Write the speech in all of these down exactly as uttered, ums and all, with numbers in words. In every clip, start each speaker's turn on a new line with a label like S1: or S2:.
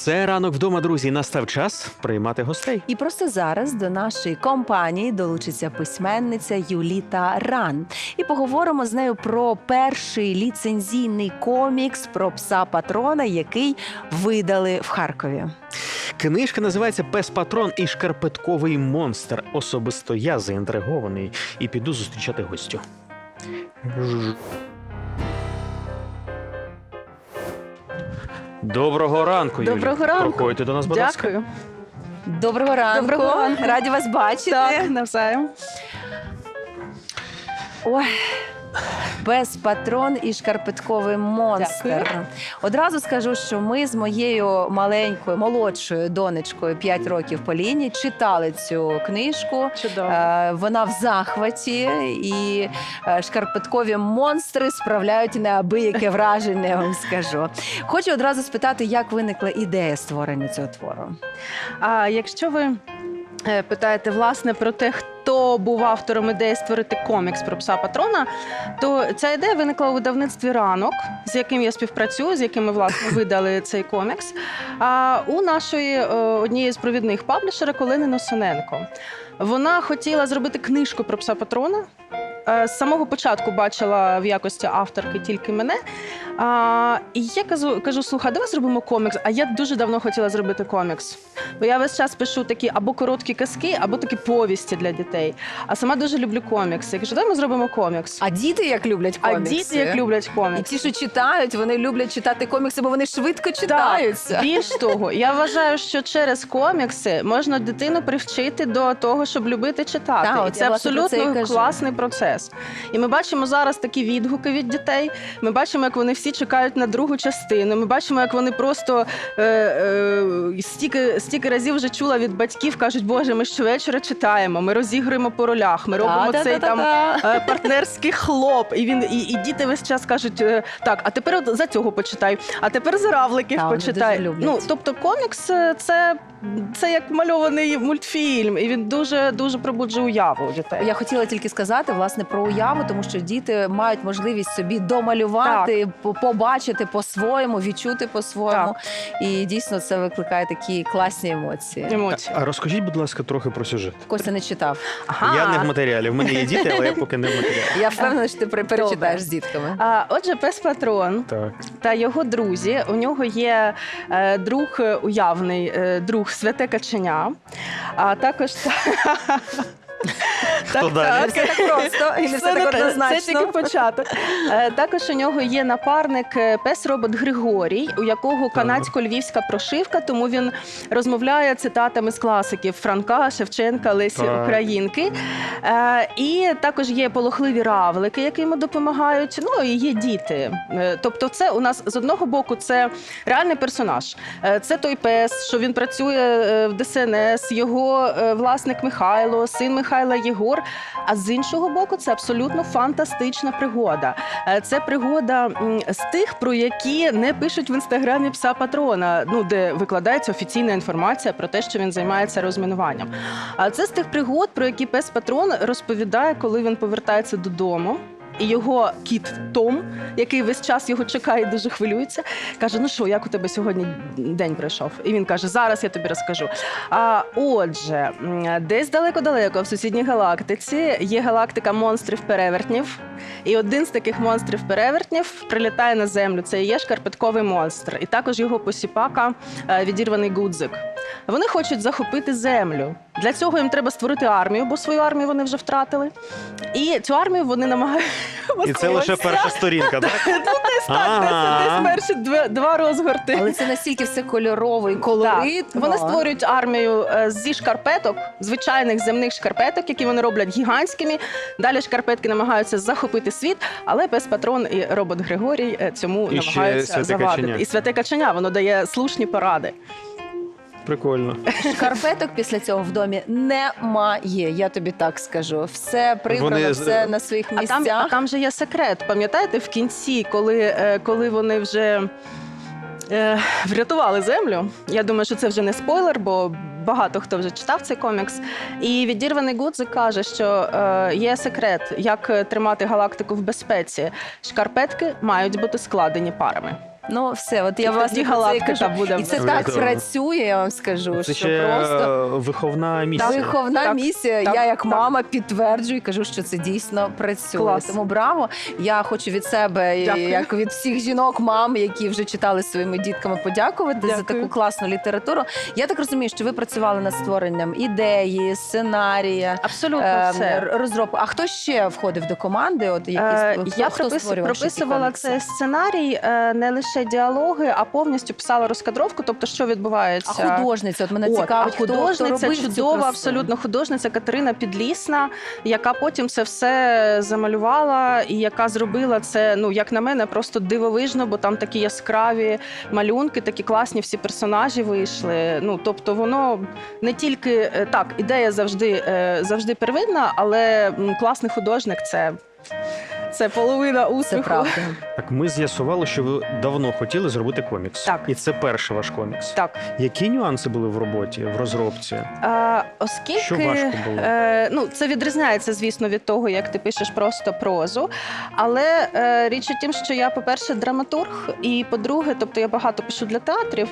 S1: Це «Ранок вдома», друзі. Настав час приймати гостей.
S2: І просто зараз до нашої компанії долучиться письменниця Юліта Ран. І поговоримо з нею про перший ліцензійний комікс про пса-патрона, який видали в Харкові.
S1: Книжка називається «Пес-патрон і шкарпетковий монстр». Особисто я заінтригований і піду зустрічати гостю. Доброго ранку, Юлі.
S2: Доброго ранку.
S1: Проходьте до нас, будь ласка.
S3: Дякую.
S2: Доброго ранку.
S3: Доброго ранку.
S2: Раді вас бачити.
S3: Так, навзаєм.
S2: Ой, пес-патрон і шкарпетковий монстр.
S3: Дякую.
S2: Одразу скажу, що ми з моєю маленькою, молодшою донечкою п'ять років Поліні читали цю книжку.
S3: Чудово.
S2: Е, Вона в захваті, і е, шкарпеткові монстри справляють неабияке враження, я вам скажу. Хочу одразу спитати, як виникла ідея створення цього твору?
S3: А якщо ви е, питаєте, власне, про те, хто був автором ідеї створити комікс про пса-патрона, то ця ідея виникла у видавництві «Ранок», з яким я співпрацюю, з яким ми, власне, видали цей комікс, а у нашої е, однієї з провідних паблішерів Олени Носоненко. Вона хотіла зробити книжку про пса-патрона. З самого початку бачила в якості авторки тільки мене. А, і я кажу, кажу, слухай, давай зробимо комікс. А я дуже давно хотіла зробити комікс. Бо я весь час пишу такі або короткі казки, або такі повісті для дітей. А сама дуже люблю комікси. Я кажу, давай ми зробимо комікс.
S2: А діти як люблять
S3: А
S2: комікси?
S3: діти як люблять
S2: І
S3: комікси.
S2: ті, що читають, вони люблять читати комікси, бо вони швидко читаються.
S3: Так, більш того, я вважаю, що через комікси можна дитину привчити до того, щоб любити читати.
S2: Так,
S3: і
S2: от
S3: це
S2: я, власне, про це і
S3: абсолютно
S2: кажу.
S3: класний процес. І ми бачимо зараз такі відгуки від дітей. Ми бачимо, як вони всі чекають на другу частину. Ми бачимо, як вони просто е, е, стільки, стільки разів вже чула від батьків, кажуть, Боже, ми щовечора читаємо, ми розігруємо по ролях, ми робимо цей там
S2: Та-та-та-та-та.
S3: е, партнерський хлоп. І він і, і діти весь час кажуть, е, так, а тепер от за цього почитай, а тепер за равликів
S2: Та, вони
S3: почитай.
S2: дуже люблять.
S3: Ну, тобто комікс е, це, це як мальований мультфільм, і він дуже дуже пробуджує уяву у дітей.
S2: Я хотіла тільки сказати, власне, про уяву, тому що діти мають можливість собі домалювати, по- побачити по-своєму, відчути по-своєму. І дійсно це викликає такі класні емоції.
S3: Емоції.
S1: А розкажіть, будь ласка, трохи про сюжет.
S2: Костя не читав.
S3: Ага.
S1: Я не в матеріалі. В мене є діти, але я поки не в матеріалі.
S2: Я впевнена, що ти пере- перечитаєш з дітками.
S3: А, отже, пес-патрон
S1: Так.
S3: та його друзі. У нього є е, друг е, уявний, е, друг святе каченя, а також
S1: Хто далі?
S2: Все так просто і не все так
S3: Це
S2: однозначно.
S3: тільки початок. Е, Також у нього є напарник е, пес-робот Григорій, у якого канадсько-львівська прошивка, тому він розмовляє цитатами з класиків Франка, Шевченка, Лесі
S1: Так.
S3: Українки. Е, І також є полохливі равлики, які йому допомагають. Ну і є діти. Е, Тобто, це у нас з одного боку це реальний персонаж. Е, Це той пес, що він працює е, в Де Ес Ен Ес, його е, власник Михайло, син Михайла Єгор. А з іншого боку, це абсолютно фантастична пригода. Е, Це пригода м, з тих, про які не пишуть в інстаграмі пса-патрона, ну де викладається офіційна інформація про те, що він займається розмінуванням. А це з тих пригод, про які пес-патрон розповідає, коли він повертається додому. І його кіт Том, який весь час його чекає, дуже хвилюється, каже: ну що, як у тебе сьогодні день пройшов? І він каже: зараз я тобі розкажу. А отже, м, десь далеко-далеко в сусідній галактиці є галактика монстрів-перевертнів. І один з таких монстрів-перевертнів прилітає на Землю. Це і є шкарпетковий монстр. І також його посіпака е, відірваний Гудзик. Вони хочуть захопити Землю. Для цього їм треба створити армію, бо свою армію вони вже втратили. І цю армію вони намагаються...
S1: І це лише перша сторінка, так?
S3: Ну, десь так,
S1: Ага.
S3: десь, десь перші два, два розгорти.
S2: Але це настільки все кольорово і
S3: Так.
S2: колоритно.
S3: Вони створюють армію е, зі шкарпеток, звичайних земних шкарпеток, які вони роблять гігантськими. Далі шкарпетки намагаються захопити світ, але пес-патрон і робот Григорій е, цьому
S1: І ще
S3: намагаються
S1: святе
S3: завадити.
S1: каченя.
S3: І святе каченя, воно дає слушні поради.
S1: Прикольно.
S2: Шкарпеток після цього в домі немає, я тобі так скажу. Все прибрано,
S1: Вони-
S2: все на своїх
S3: А там,
S2: місцях.
S3: а там же є секрет. Пам'ятаєте, в кінці, коли, е, коли вони вже е, врятували землю, я думаю, що це вже не спойлер, бо багато хто вже читав цей комікс. І відірваний Гудзик каже, що е, є секрет, як тримати галактику в безпеці. Шкарпетки мають бути складені парами.
S2: Ну, все, от я
S3: І
S2: вас
S3: тоді галактика буде.
S2: І це
S1: в
S2: так
S1: нас.
S2: працює, я вам скажу,
S1: Це
S2: що
S1: ще
S2: просто
S1: е, виховна місія.
S2: виховна
S3: Так,
S2: місія.
S3: так,
S2: Я як
S3: так.
S2: мама підтверджую і кажу, що це дійсно працює.
S3: Клас.
S2: Тому браво. Я хочу від себе, і
S3: Дякую.
S2: як від всіх жінок, мам, які вже читали своїми дітками, подякувати за
S3: Дякую.
S2: таку класну літературу. Я так розумію, що ви працювали над створенням ідеї, сценарія.
S3: Абсолютно
S2: Е,
S3: все.
S2: р- розробку. А хто ще входив до команди? От
S3: Е,
S2: якісь хто,
S3: Я
S2: хто
S3: пропис-
S2: створював ще ці
S3: прописувала
S2: комікси?
S3: цей сценарій, е, не лише діалоги, а повністю писала розкадровку, тобто що відбувається.
S2: А художниця? От мене
S3: От,
S2: цікавить,
S3: а
S2: хто, хто
S3: художниця,
S2: робив цю
S3: чудова,
S2: красу?
S3: абсолютно художниця Катерина Підлісна, яка потім це все замалювала і яка зробила це, ну як на мене, просто дивовижно, бо там такі яскраві малюнки, такі класні всі персонажі вийшли. Ну тобто, воно не тільки е, так, ідея завжди, е, завжди первинна, але м, класний художник це. Це половина
S2: Це
S3: успіху.
S2: правда.
S1: Так, ми з'ясували, що ви давно хотіли зробити комікс.
S3: Так.
S1: І це перший ваш комікс.
S3: Так.
S1: Які нюанси були в роботі, в розробці?
S3: А, оскільки
S1: Що важко було?
S3: Е, ну, це відрізняється, звісно, від того, як ти пишеш просто прозу. Але е, річ у тім, що я, по-перше, драматург, і по-друге, тобто я багато пишу для театрів.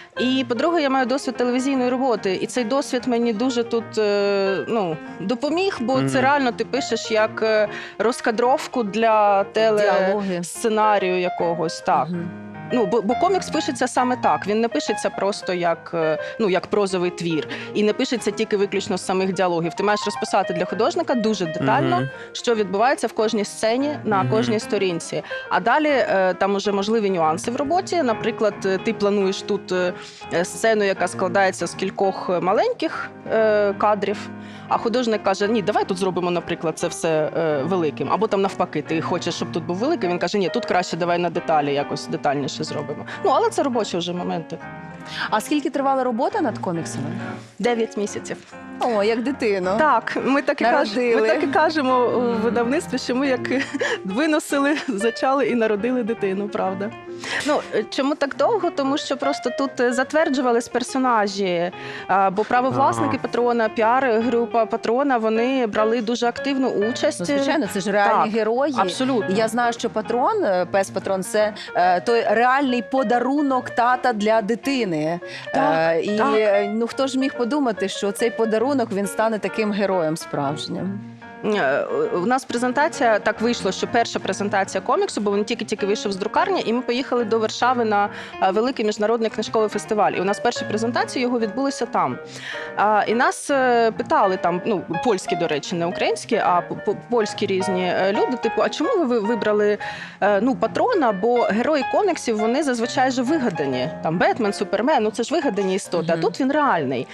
S3: І по-друге, я маю досвід телевізійної роботи. І цей досвід мені дуже тут е, ну, допоміг, бо
S1: Мгм.
S3: це реально ти пишеш як е, розкадровку для
S2: Діалоги.
S3: телесценарію якогось. Так.
S2: Мгм.
S3: Ну, бо, бо комікс пишеться саме так. Він не пишеться просто як, е, ну, як прозовий твір. І не пишеться тільки виключно з самих діалогів. Ти маєш розписати для художника дуже детально,
S1: Мгм.
S3: що відбувається в кожній сцені на
S1: Мгм.
S3: кожній сторінці. А далі е, там уже можливі нюанси в роботі. Наприклад, е, ти плануєш тут е, е, сцену, яка складається з кількох маленьких е, кадрів. А художник каже: ні, давай тут зробимо, наприклад, це все е, великим. Або там навпаки, ти хочеш, щоб тут був великий. Він каже: ні, тут краще давай на деталі якось детальніше зробимо. Ну але це робочі вже моменти.
S2: А скільки тривала робота над коміксами?
S3: Дев'ять місяців.
S2: О, як дитину.
S3: Так, ми так і кажемо,
S2: Народили.
S3: ми так і кажемо у видавництві, що ми як виносили, зачали і народили дитину, правда. Ну, чому так довго? Тому що просто тут е, затверджувались персонажі, а, бо правовласники
S1: Ага.
S3: Патрона, піар-група Патрона, вони брали дуже активну участь.
S2: Ну, звичайно, це ж реальні
S3: Так,
S2: герої.
S3: Абсолютно.
S2: І я знаю, що патрон, е, пес патрон, це е, той реальний подарунок тата для дитини.
S3: Так,
S2: Е, і
S3: так.
S2: е, ну хто ж міг подумати, що цей подарунок він стане таким героєм справжнім?
S3: Е, У нас презентація так вийшло, що перша презентація коміксу, бо він тільки-тільки вийшов з друкарні, і ми поїхали до Варшави на е, великий міжнародний книжковий фестиваль. І у нас перші презентації його відбулися там. А, І нас е, питали там, ну польські, до речі, не українські, а п- п- польські різні е, люди. Типу, а чому ви ви вибрали е, ну патрона? Бо герої коміксів вони зазвичай же вигадані. Там Бетмен, Супермен, ну це ж вигадані істоти. А
S2: Мгм.
S3: тут він реальний.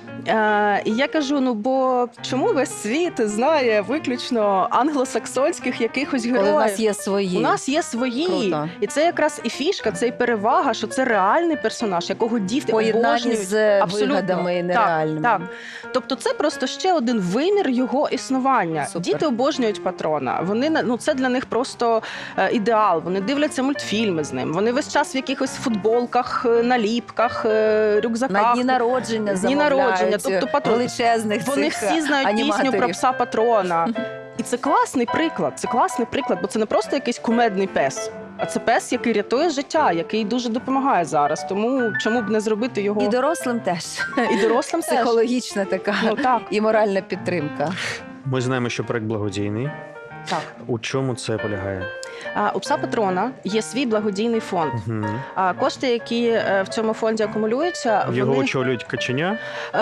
S3: Е, і я кажу: ну бо чому весь світ знає виключно англосаксонських якихось героїв?
S2: Коли в нас є свої.
S3: У нас є свої,
S2: Круто.
S3: і це якраз і фішка, це і перевага, що це реальний персонаж, якого діти
S2: Поєднані
S3: обожнюють.
S2: з
S3: Абсолютно.
S2: вигадами нереальними.
S3: Так, так. Тобто це просто ще один вимір його існування.
S2: Супер.
S3: Діти обожнюють патрона. Вони на- ну це для них просто е, ідеал. Вони дивляться мультфільми з ним. Вони весь час в якихось футболках, е, наліпках, е, рюкзаках.
S2: На дні народження
S3: Дні
S2: замовляють
S3: народження, тобто патрон.
S2: величезних
S3: Вони
S2: цих
S3: всі знають
S2: аніматорів.
S3: пісню про пса патрона. І це класний приклад. Це класний приклад, бо це не просто якийсь кумедний пес, а це пес, який рятує життя, який дуже допомагає зараз. Тому чому б не зробити його
S2: І дорослим теж.
S3: і дорослим теж.
S2: Психологічна така
S3: Ну так,
S2: і моральна підтримка.
S1: Ми знаємо, що проект благодійний.
S3: так.
S1: У чому це полягає?
S3: А, у пса патрона є свій благодійний фонд.
S1: Угу.
S3: А кошти, які е, в цьому фонді акумулюються,
S1: Його
S3: вони
S1: очолюють каченя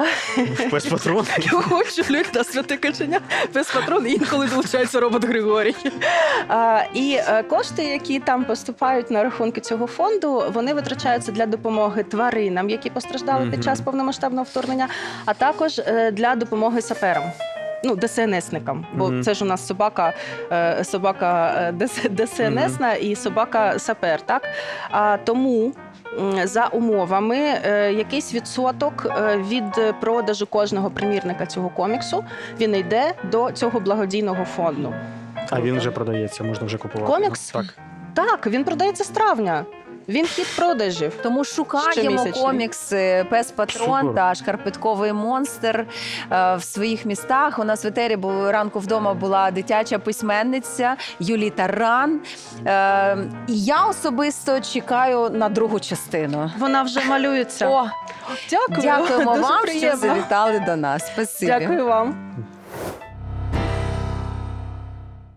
S1: в пес патрон.
S3: Його очолюють на святе каченя, пес патрон, і інколи долучається робот Григорій. А, і е, кошти, які там поступають на рахунки цього фонду, вони витрачаються для допомоги тваринам, які постраждали
S1: Мгм.
S3: під час повномасштабного вторгнення, а також е, для допомоги саперам. Ну, ДСНСникам, бо
S1: Мгм.
S3: це ж у нас собака, е, собака е, ДС- ДСНСна і собака сапер, так? А, тому м, за умовами е, якийсь відсоток е, від продажу кожного примірника цього коміксу він йде до цього благодійного фонду.
S1: А він вже продається, можна вже купувати.
S3: Комікс?
S1: Так.
S3: Так, він продається з травня. Він хід продажів.
S2: Тому шукаємо
S3: Щомісячний.
S2: комікс е, Пес Патрон
S1: Супер.
S2: та Шкарпетковий монстр е, в своїх містах. У нас в етері бу- ранку вдома була дитяча письменниця Юліта Ран. Е, І я особисто чекаю на другу частину.
S3: Вона вже малюється.
S2: О,
S3: Дякую.
S2: дякуємо
S3: Дуже
S2: вам, що
S3: приємно.
S2: завітали до нас. Спасибі.
S3: Дякую вам.